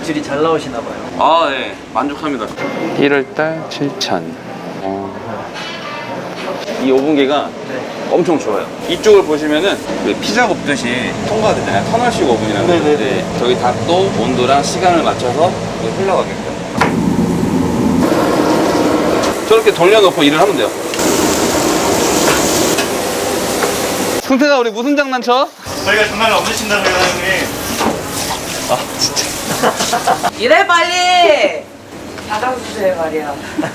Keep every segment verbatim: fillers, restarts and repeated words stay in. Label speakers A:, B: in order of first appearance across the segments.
A: 매출이 잘 나오시나 봐요.
B: 아, 네. 만족합니다. 일월달 칠천. 어. 이 오븐기가
A: 네.
B: 엄청 좋아요. 이쪽을 보시면은 그 피자 굽듯이 통과되잖아요. 터널식 오븐이라는
A: 네네네.
B: 건데 저기 닭도 온도랑 시간을 맞춰서 흘러가게끔 저렇게 돌려놓고 일을 하면 돼요. 승태가 우리 무슨 장난쳐?
C: 저희가 장난을 없으신다고요, 형님.
B: 아 진짜.
D: 이래 빨리 받아주세요 말이야.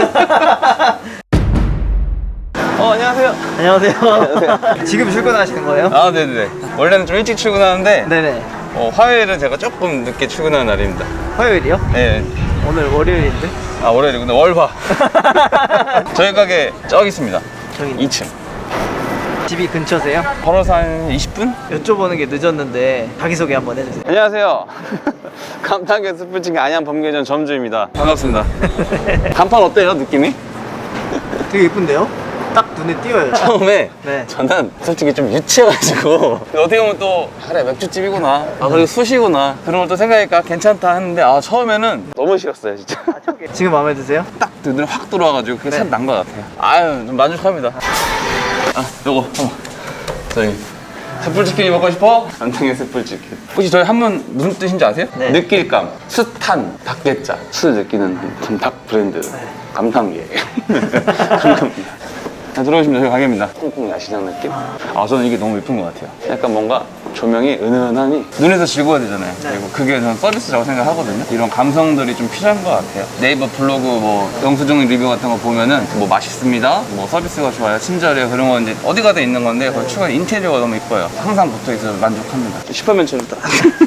B: 어 안녕하세요.
A: 안녕하세요. 지금 출근하시는 거예요?
B: 아 네네네. 원래는 좀 일찍 출근하는데
A: 네네.
B: 어, 화요일은 제가 조금 늦게 출근하는 날입니다.
A: 화요일이요?
B: 네.
A: 오늘 월요일인데?
B: 아 월요일이구나. 월화. 저희 가게 저기 있습니다.
A: 저기
B: 이 층.
A: 집이 근처세요?
B: 걸어서 한 이십 분?
A: 여쭤보는 게 늦었는데 자기소개 한번 해주세요.
B: 안녕하세요. 감탄계 스프칭 안양 범계전 점주입니다. 반갑습니다. 간판 어때요 느낌이?
A: 되게 예쁜데요? 딱 눈에 띄어요.
B: 처음에
A: 네.
B: 저는 솔직히 좀 유치해가지고 어떻게 보면 또 그래 맥주집이구나 아 그리고 수시구나 그런 걸 또 생각하니까 괜찮다 했는데 아 처음에는 너무 싫었어요 진짜.
A: 지금 마음에 드세요?
B: 딱 눈에 확 들어와가지고 그게
A: 네.
B: 참 난 것 같아요. 아유 좀 만족합니다. 아 요거 한번 저희 숯불치킨이 먹고 싶어? 안탕의 숯불치킨. 혹시 저희 한번 무슨 뜻인지 아세요?
A: 네.
B: 느낄감 숯한 닭게자 숯을 느끼는 닭 브랜드 감탄계. 감사합니다. 자, 들어오시면 저희 가게입니다. 콩콩 야시장 느낌? 아 저는 이게 너무 예쁜 것 같아요. 약간 뭔가 조명이 은은하니 눈에서 즐거워야 되잖아요.
A: 네.
B: 그리고 그게 저는 서비스라고 생각하거든요. 이런 감성들이 좀 필요한 것 같아요. 네이버 블로그 뭐 영수증 리뷰 같은 거 보면은 뭐 맛있습니다, 뭐 서비스가 좋아요, 친절해요 그런 건 이제 어디 가도 있는 건데 그걸 추가 인테리어가 너무 이뻐요. 항상 붙어 있어서 만족합니다. 슈퍼맨처럼 딱.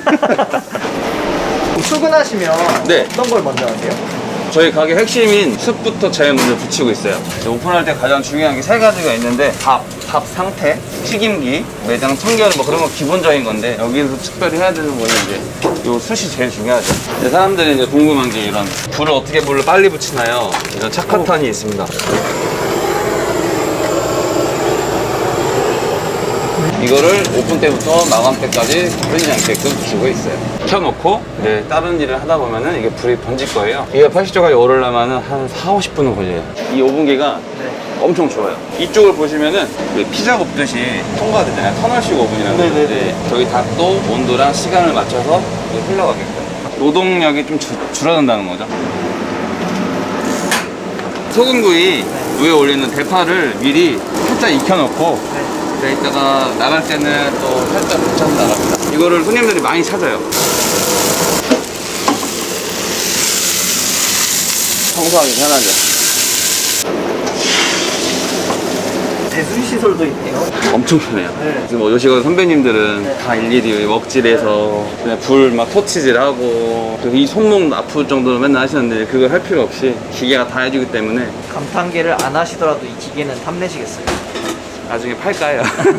A: 출근하시면
B: 네.
A: 어떤 걸 먼저 하세요?
B: 저희 가게 핵심인 숯부터 제일 먼저 붙이고 있어요. 오픈할 때 가장 중요한 게 세 가지가 있는데 밥, 밥 상태, 튀김기, 매장 청결 뭐 그런 거 기본적인 건데 여기서 특별히 해야 되는 거는 이제 요 숯이 제일 중요하죠. 근데 사람들이 이제 궁금한 게 이런 불을 어떻게 불을 빨리 붙이나요? 이런 착화탄이 있습니다. 이거를 오픈 때부터 마감 때까지 흐리지 않게끔 붙이고 있어요. 켜놓고 이제 다른 일을 하다 보면은 이게 불이 번질 거예요. 이게 팔십 도까지 오르려면은 한 사, 오십 분은 걸려요. 이 오븐기가
A: 네.
B: 엄청 좋아요. 이쪽을 보시면은 그 피자 굽듯이 통과되잖아요. 터널식 오븐이라는
A: 네네네.
B: 건데 저기 닭도 온도랑 시간을 맞춰서 흘러가게끔 노동력이 좀 줄, 줄어든다는 거죠. 소금구이 위에 올리는 대파를 미리 살짝 익혀놓고
A: 네.
B: 네, 이따가 나갈 때는 또 살짝 붙여서 나갑니다. 이거를 손님들이 많이 찾아요. 청소하기 편하죠.
A: 배수 시설도 있네요.
B: 엄청 편해요.
A: 네.
B: 지금 뭐 요식원 선배님들은
A: 네.
B: 다 일일이 먹질해서 그냥 불 막 토치질하고 그리고 이 손목 아플 정도로 맨날 하시는데 그걸 할 필요 없이 기계가 다 해주기 때문에
A: 감탄계를 안 하시더라도 이 기계는 탐내시겠어요?
B: 나중에 팔까요?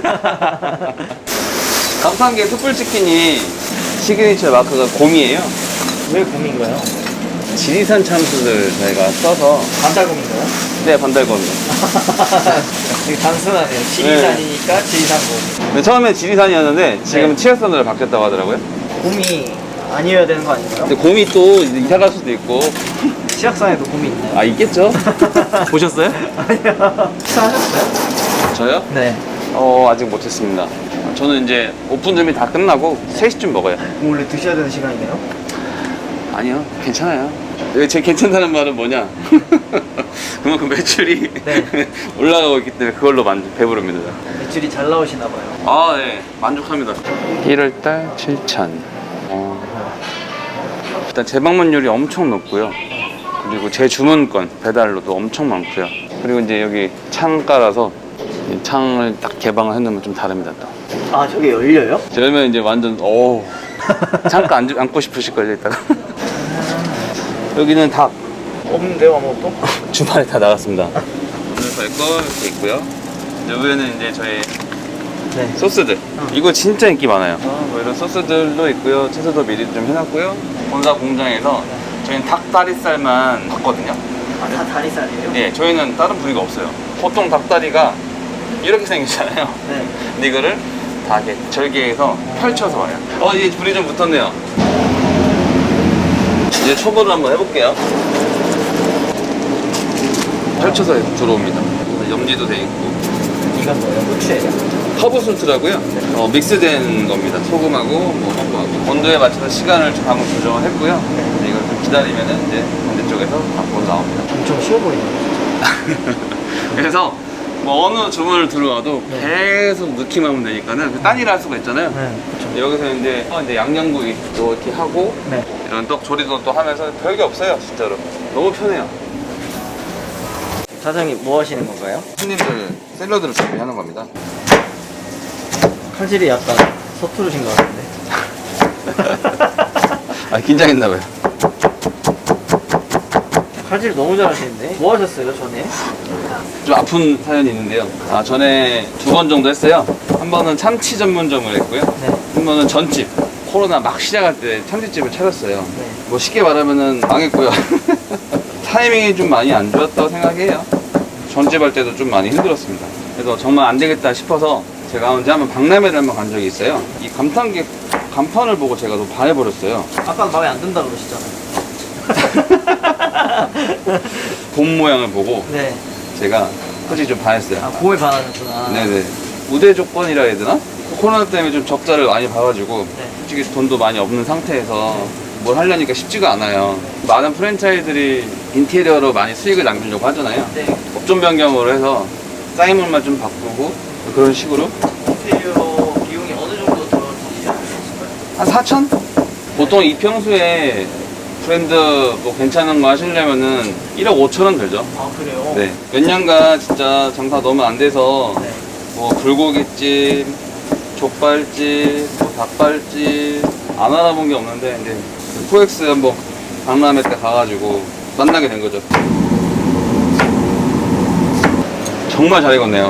B: 감탄계 숯불치킨이 시그니처 마크가 곰이에요.
A: 왜 곰인가요?
B: 지리산 참수를 저희가 써서
A: 반달곰인가요?
B: 네 반달곰이요.
A: 되게 단순하네요. 지리산이니까 지리산곰.
B: 근데 처음에 지리산이었는데 지금
A: 네.
B: 치열산으로 바뀌었다고 하더라고요.
A: 곰이 아니어야 되는 거 아닌가요?
B: 근데 곰이 또 이제 이사 갈 수도 있고
A: 치악산에도 곰이 있나요?
B: 아 있겠죠? 보셨어요?
A: 아니요. 식사하셨어요?
B: 저요?
A: 네.
B: 어 아직 못했습니다. 저는 이제 오픈 준비 다 끝나고 세 시쯤 먹어요.
A: 그럼 원래 드셔야 되는 시간이네요?
B: 아니요 괜찮아요. 왜 제 괜찮다는 말은 뭐냐? 그만큼 매출이
A: 네.
B: 올라가고 있기 때문에 그걸로 만족 배부릅니다.
A: 매출이 잘 나오시나 봐요.
B: 아, 네. 만족합니다. 일월달 칠천. 어. 일단 재방문율이 엄청 높고요. 그리고 제 주문권 배달로도 엄청 많고요. 그리고 이제 여기 창가라서 이 창을 딱 개방을 해놓으면 좀 다릅니다. 또.
A: 아, 저게 열려요?
B: 열면 이제 완전 오 창가 앉, 앉고 싶으실걸요 이따가. 여기는 닭.
A: 없는데요, 아무것도?
B: 주말에 다 나갔습니다. 오늘 저희 거 이렇게 있고요. 여기에는 이제 저희
A: 네.
B: 소스들.
A: 어.
B: 이거 진짜 인기 많아요. 어, 뭐 이런 소스들도 있고요. 채소도 미리 좀 해놨고요. 본사 공장에서 저희는 닭다리살만 받거든요.
A: 아, 다 다리살이에요?
B: 예, 저희는 다른 부위가 없어요. 보통 닭다리가 이렇게 생기잖아요.
A: 네.
B: 근데 이거를 다 이렇게 절개해서 펼쳐서 와요. 어, 이제 불이 좀 붙었네요. 이제 초보를 한번 해볼게요. 펼쳐서 들어옵니다. 염지도 돼 있고.
A: 이건 뭐예요? 후추예요?
B: 허브 술트라고요. 어, 믹스된 겁니다. 소금하고 뭐 허브하고 온도에 맞춰서 시간을 좀 방금 조정을 했고요. 네, 이걸 좀 기다리면은 이제 반대쪽에서 바꿔 나옵니다.
A: 엄청 쉬워 보이네요.
B: 그래서 뭐 어느 주문을 들어와도
A: 네.
B: 계속 넣기만 하면 되니까는 딴 일을 할 수가 있잖아요.
A: 네, 그렇죠.
B: 여기서 이제, 어, 이제 양념구이 또 이렇게 하고
A: 네.
B: 이런 떡 조리도 또 하면서 별게 없어요, 진짜로. 너무 편해요.
A: 사장님 뭐 하시는 건가요?
B: 손님들 샐러드를 준비하는 겁니다.
A: 칼질이 약간 서투르신 것 같은데.
B: 아, 긴장했나봐요.
A: 칼질 너무 잘하시는데? 뭐 하셨어요 전에?
B: 좀 아픈 사연이 있는데요. 아, 전에 두 번 정도 했어요. 한 번은 참치 전문점을 했고요.
A: 네.
B: 한 번은 전집. 코로나 막 시작할 때 참치집을 차렸어요.
A: 네.
B: 뭐 쉽게 말하면은 망했고요. 타이밍이 좀 많이 안 좋았다고 생각해요. 전집 할 때도 좀 많이 힘들었습니다. 그래서 정말 안 되겠다 싶어서 제가 언제 한번 박람회를 한번 간 적이 있어요. 이 감탄기 간판을 보고 제가 너무 반해버렸어요.
A: 아까 마음에 안 든다 그러시잖아요.
B: 곰 모양을 보고
A: 네.
B: 제가 솔직히 좀 반했어요.
A: 아 곰에 반하셨구나.
B: 네네. 우대 조건이라 해야 되나? 코로나 때문에 좀 적자를 많이 봐가지고
A: 네.
B: 솔직히 돈도 많이 없는 상태에서 뭘 하려니까 쉽지가 않아요. 많은 프랜차이들이 인테리어로 많이 수익을 남기려고 하잖아요.
A: 네.
B: 업종 변경으로 해서 사인물만 좀 바꾸고 그런 식으로
A: 인테리어 비용이 어느 정도 들어지지 않으실까요?
B: 한 사천? 보통 이 평수에 브랜드 뭐 괜찮은 거 하시려면은 일억 오천원 들죠.
A: 아 그래요?
B: 네. 몇 년간 진짜 장사 너무 안 돼서
A: 네.
B: 뭐 불고기집, 족발집, 뭐 닭발집 안 알아본 게 없는데 이제 코엑스 한번 박람회 때 가가지고 만나게 된 거죠. 정말 잘 익었네요.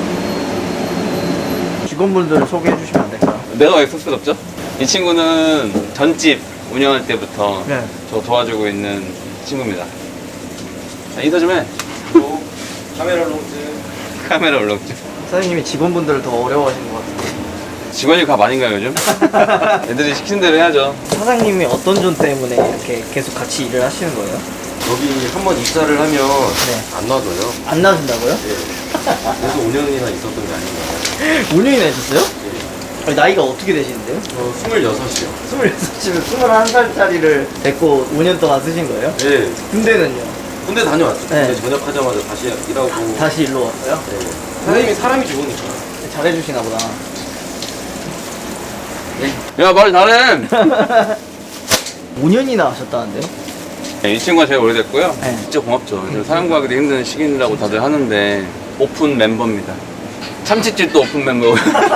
A: 직원분들을 소개해 주시면 안 될까요?
B: 내가 왜 쑥스럽죠? 이 친구는 전집 운영할 때부터
A: 네.
B: 저 도와주고 있는 친구입니다. 자, 인사 좀 해.
C: 카메라 롱즈.
B: 카메라 울렁증.
A: 사장님이 직원분들을 더 어려워하시는 것 같은데.
B: 직원이 값 아닌가요, 요즘? 애들이 시킨 대로 해야죠.
A: 사장님이 어떤 점 때문에 이렇게 계속 같이 일을 하시는 거예요?
E: 여기 한번 입사를 하면
A: 네.
E: 안 놔둬요.
A: 안 나오신다고요?
E: 예. 그래서 오 년이나 있었던 게 아닌가.
A: 오 년이나 있었어요?
E: 예.
A: 아니, 나이가 어떻게 되시는데요?
E: 저 스물여섯이요.
A: 스물여섯이면 스물한 살짜리를 데리고 오 년 동안 쓰신 거예요?
E: 예.
A: 군대는요?
E: 군대 다녀왔죠.
A: 네.
E: 군대 전역하자마자 다시 일하고.
A: 다시 일로 왔어요?
E: 예. 사장님이 사람이 좋으니까.
A: 잘해주시나 보다.
B: 야, 말 잘해!
A: 오 년이나 하셨다는데요?
B: 네, 이 친구가 제일 오래됐고요.
A: 네.
B: 진짜 고맙죠. 그래서 사람 구하기도 힘든 시기라고 다들 하는데 오픈 멤버입니다. 참치집도 오픈 멤버고요.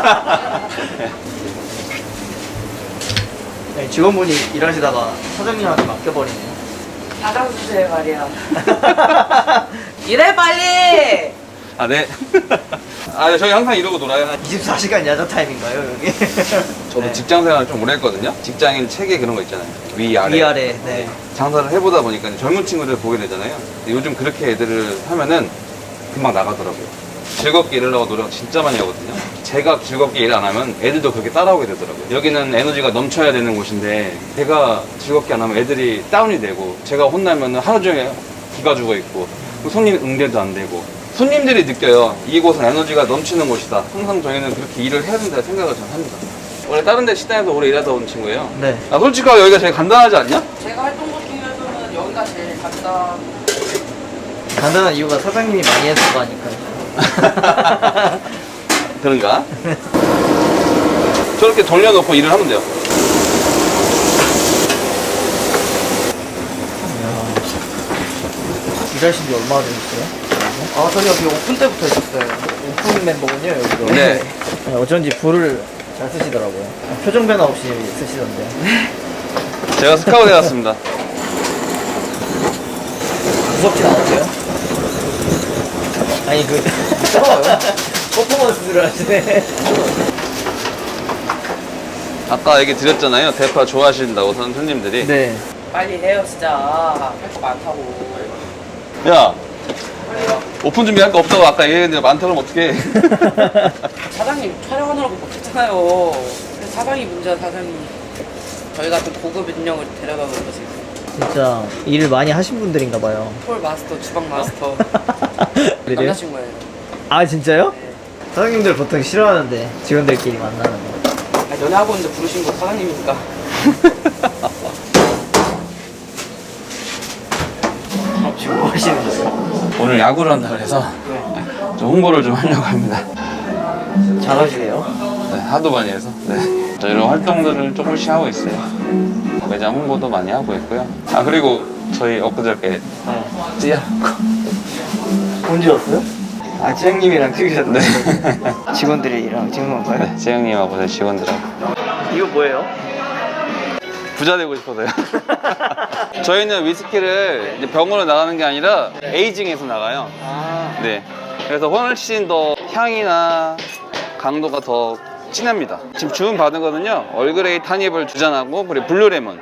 A: 네, 직원분이 일하시다가 사장님한테 맡겨버리네요.
D: 받아주세요 말이야. 이래 빨리.
B: 아, 네. 아, 저희 항상 이러고 놀아요.
A: 이십사 시간 야자 타임인가요, 여기?
B: 저도
A: 네.
B: 직장 생활을 좀 오래 했거든요. 직장인 체계 그런 거 있잖아요. 위, 아래.
A: 위아래, 네.
B: 장사를 해보다 보니까 이제 젊은 친구들 보게 되잖아요. 근데 요즘 그렇게 애들을 하면은 금방 나가더라고요. 즐겁게 일하려고 노력 진짜 많이 하거든요. 제가 즐겁게 일 안 하면 애들도 그렇게 따라오게 되더라고요. 여기는 에너지가 넘쳐야 되는 곳인데 제가 즐겁게 안 하면 애들이 다운이 되고 제가 혼나면 하루 종일 기가 죽어 있고 손님 응대도 안 되고 손님들이 느껴요. 이곳은 에너지가 넘치는 곳이다. 항상 저희는 그렇게 일을 해야 된다고 생각을 저는 합니다. 원래 다른 데 식당에서 오래 일하다 온 친구예요.
A: 네.
B: 아, 솔직하게 여기가 제일 간단하지 않냐?
D: 제가 했던 것 중에서는 여기가 제일 간단.
A: 간단한 이유가 사장님이 많이 해서 하니까요.
B: 그런가? 저렇게 돌려놓고 일을 하면 돼요.
A: 일하신 지 얼마나 되셨어요? 아, 저는 여기 오픈 때부터 있었어요. 오픈 멤버군요, 여기도.
B: 네.
A: 네, 어쩐지 불을 잘 쓰시더라고요. 표정 변화 없이 쓰시던데.
B: 제가 스카우트 해왔습니다.
A: 무섭진 않으세요? 아니, 그, 무서워요. 퍼포먼스를 하시네.
B: 아까 얘기 드렸잖아요. 대파 좋아하신다고 선 손님들이.
A: 네.
D: 빨리 해요 진짜. 할 거 많다고.
B: 야, 오픈 준비할 거 없다고 아까 얘기했는데 많다고 하면 어떡해.
D: 사장님 촬영하느라고 못했잖아요. 그래서 사장이 문제야 사장이. 저희 같은 고급 인력을 데려다 놓은 거지.
A: 진짜 일을 많이 하신 분들인가 봐요.
D: 홀 마스터, 주방 마스터.
A: 그래요?
D: 남자친구예요.
A: 아 진짜요? 사장님들 보통 싫어하는데 직원들끼리 만나는 거.
D: 아, 연애하고 있는데 부르신 거 사장님이니까.
A: 지금 뭐 하시는 거예요?
B: 오늘 야구를 한다 그래서 좀 홍보를 좀 하려고 합니다.
A: 잘하시네요.
B: 네, 하도 많이 해서. 네. 저 이런 활동들을 조금씩 하고 있어요. 매장 홍보도 많이 하고 있고요. 아 그리고 저희 엊그저께
A: 네.
B: 찌야고
A: 언제 왔어요? 아 지영님이랑 찍으셨네.
B: 네.
A: 직원들이랑 찍는 건가요?
B: 네, 재영님하고 제 직원들하고
A: 이거 뭐예요?
B: 부자 되고 싶어서요. 저희는 위스키를 이제 병으로 나가는 게 아니라 에이징해서 나가요.
A: 아
B: 네. 그래서 훨씬 더 향이나 강도가 더 진합니다. 지금 주문 받은 거는요, 얼그레이 타니블 두 잔하고 그리고 블루레몬.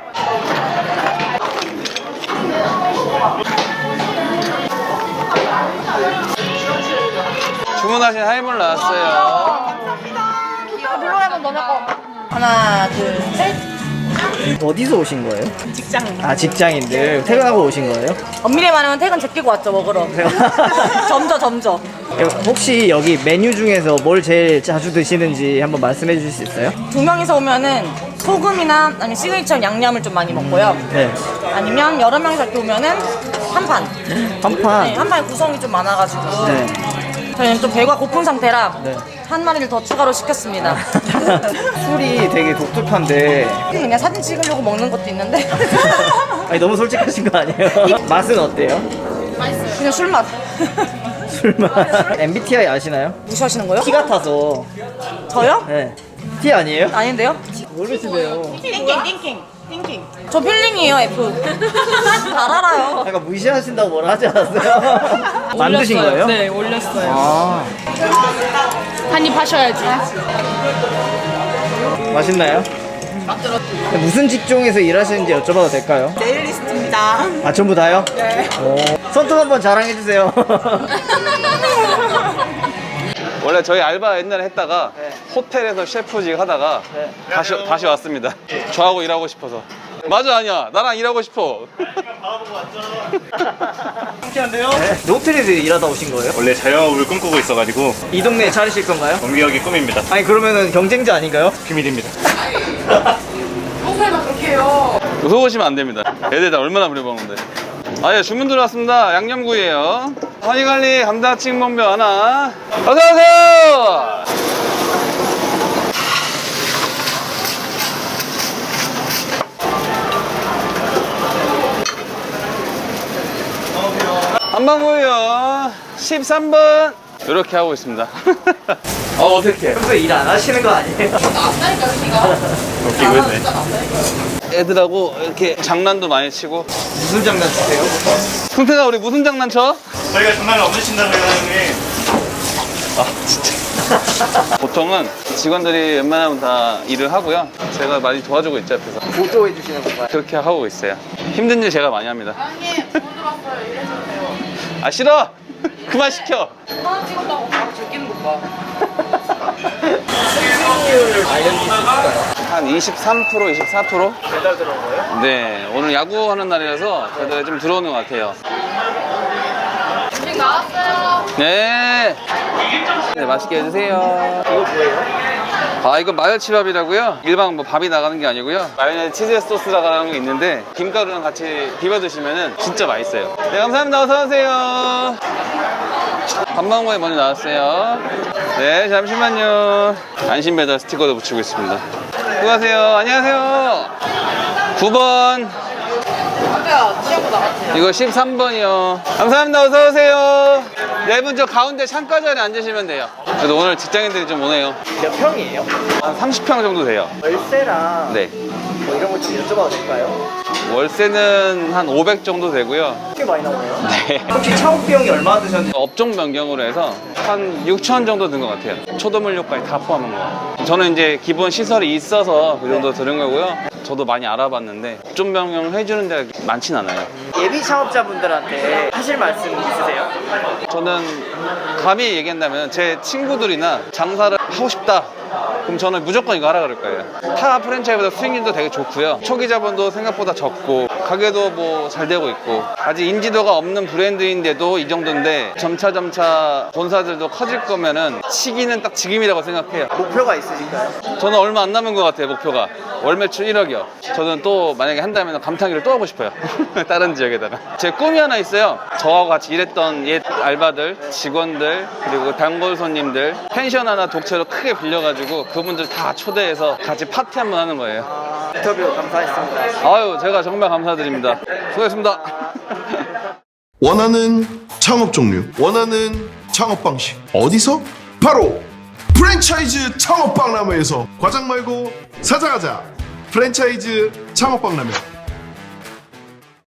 B: 주문하신 하이볼 나왔어요.
F: 블루레몬 너네 거. 하나, 둘, 셋.
A: 어디서 오신 거예요?
F: 직장.
A: 아 직장인들 퇴근하고 오신 거예요?
F: 엄밀히 말하면 퇴근 제끼고 왔죠, 먹으러. 점저, 점저.
A: 혹시 여기 메뉴 중에서 뭘 제일 자주 드시는지 한번 말씀해 주실 수 있어요?
F: 두 명이서 오면은 소금이나 아니면 시그니처 양념을 좀 많이 먹고요.
A: 네.
F: 아니면 여러 명이서 이렇게 오면은 한 판.
A: 한 판.
F: 네, 한 판에 구성이 좀 많아가지고.
A: 네.
F: 저희는 좀 배가 고픈 상태라
A: 네.
F: 한 마리를 더 추가로 시켰습니다.
A: 술이 되게 독특한데
F: 그냥 사진 찍으려고 먹는 것도 있는데.
A: 아니 너무 솔직하신 거 아니에요? 맛은 어때요?
F: 그냥 술맛.
A: 술맛. 엠비티아이 아시나요?
F: 무시하시는 거요?
A: T 같아서.
F: 저요?
A: 네. T 아니에요?
F: 아닌데요?
A: 모르시네요.
F: 띵킹, 띵킹, 띵킹. 저 필링이에요, F. 잘 알아요.
A: 약간 무시하신다고 뭐라 하지 않았어요? 만드신 거예요?
G: 네, 올렸어요.
A: 아
G: 한입 하셔야지.
A: 맛있나요? 무슨 직종에서 일하시는지 여쭤봐도 될까요?
F: 네일리스트입니다.
A: 아 전부 다요? 네. 오. 손톱 한번 자랑해 주세요.
B: 원래 저희 알바 옛날에 했다가
A: 네.
B: 호텔에서 셰프직 하다가
A: 네.
B: 다시, 다시 왔습니다. 저하고 일하고 싶어서. 맞아, 아니야. 나랑 일하고 싶어.
A: 신기한데요? 네. 호텔에서 일하다 오신 거예요?
H: 원래 자영업을 꿈꾸고 있어가지고
A: 이 동네에 차리실 건가요?
H: 동기역이 꿈입니다.
A: 아니 그러면은 경쟁자 아닌가요?
H: 비밀입니다.
B: 속으시면 안 됩니다. 애들 다 얼마나 부려먹는데. 아, 예, 주문 들어왔습니다. 양념구이에요. 허니갈리 감자칩 mon벼 하나. 어서오세요! 한방구이요. 십삼 번. 이렇게 하고 있습니다. 어, 어떡해.
A: 평소에 일 안 하시는 거 아니에요?
H: 웃기고 있네.
B: 애들하고 이렇게 장난도 많이 치고.
A: 무슨 장난 치세요?
B: 승태가 우리 무슨 장난 쳐?
H: 저희가 장난을 없으신다고요, 사장님.
B: 아 진짜. 보통은 직원들이 웬만하면 다 일을 하고요. 제가 많이 도와주고 있죠, 옆에서.
A: 보조해 주시는 건가요?
B: 그렇게 하고 있어요. 힘든 일 제가 많이 합니다.
G: 사장님, 주문 들어왔어요. 이래주세요.
B: 아 싫어! 그만 시켜!
D: 하나 찍었다고 바로 제끼는 것 봐.
A: 수익률 알려주실 수 있을까요?
B: 한 이십삼 퍼센트, 이십사 퍼센트?
A: 배달 들어온 거예요?
B: 네, 오늘 야구하는 날이라서 배달이 좀 들어오는 것 같아요.
G: 음식 나왔어요.
B: 네. 네, 맛있게 해주세요.
A: 이거 뭐예요?
B: 아, 이거 마요치밥이라고요? 일반 뭐 밥이 나가는 게 아니고요. 마요네즈 치즈 소스라는 게 있는데 김가루랑 같이 비벼 드시면 진짜 맛있어요. 네, 감사합니다. 어서오세요. 밥망고에 먼저 나왔어요. 네, 잠시만요. 안심 배달 스티커도 붙이고 있습니다. 수고하세요. 안녕하세요. 구 번. 이거 십삼 번이요. 감사합니다. 어서오세요. 네 분 저 가운데 창가 자리에 앉으시면 돼요. 그래도 오늘 직장인들이 좀 오네요.
A: 몇 평이에요?
B: 한 삼십 평 정도 돼요.
A: 월세랑
B: 네.
A: 뭐 이런 거 좀 여쭤봐도 될까요?
B: 월세는 한 오백 정도 되고요.
A: 꽤 많이 나오네요.
B: 네.
A: 혹시 차업 비용이 얼마 드셨는지?
B: 업종 변경으로 해서 한 육천 정도 든 것 같아요. 초도물료까지 다 포함한 거. 저는 이제 기본 시설이 있어서 그 정도 들은 거고요. 저도 많이 알아봤는데 업종 변경 해주는 데가 많진 않아요.
A: 예비 창업자분들한테 하실 말씀 있으세요?
B: 저는 감히 얘기한다면 제 친구들이나 장사를 하고 싶다, 그럼 저는 무조건 이거 하라 그럴 거예요. 타 프랜차이즈보다 수익률도 되게 좋고요, 초기 자본도 생각보다 적고 가게도 뭐 잘 되고 있고, 아직 인지도가 없는 브랜드인데도 이 정도인데 점차 점차 본사들도 커질 거면은 시기는 딱 지금이라고 생각해요.
A: 목표가 있으신가요?
B: 저는 얼마 안 남은 것 같아요. 목표가 월 매출 일억이요. 저는 또 만약에 한다면 감탄기를 또 하고 싶어요. 다른 지역에다가. 제 꿈이 하나 있어요. 저하고 같이 일했던 옛 알바들, 직원들, 그리고 단골 손님들 펜션 하나 독채로 크게 빌려가지고 그분들 다 초대해서 같이 파티 한번 하는 거예요.
A: 아, 인터뷰 감사했습니다.
B: 아유, 제가 정말 감사드립니다. 수고했습니다.
I: 원하는 창업 종류, 원하는 창업 방식 어디서? 바로 프랜차이즈 창업박람회에서. 과장 말고 사장하자. 프랜차이즈 창업박람회.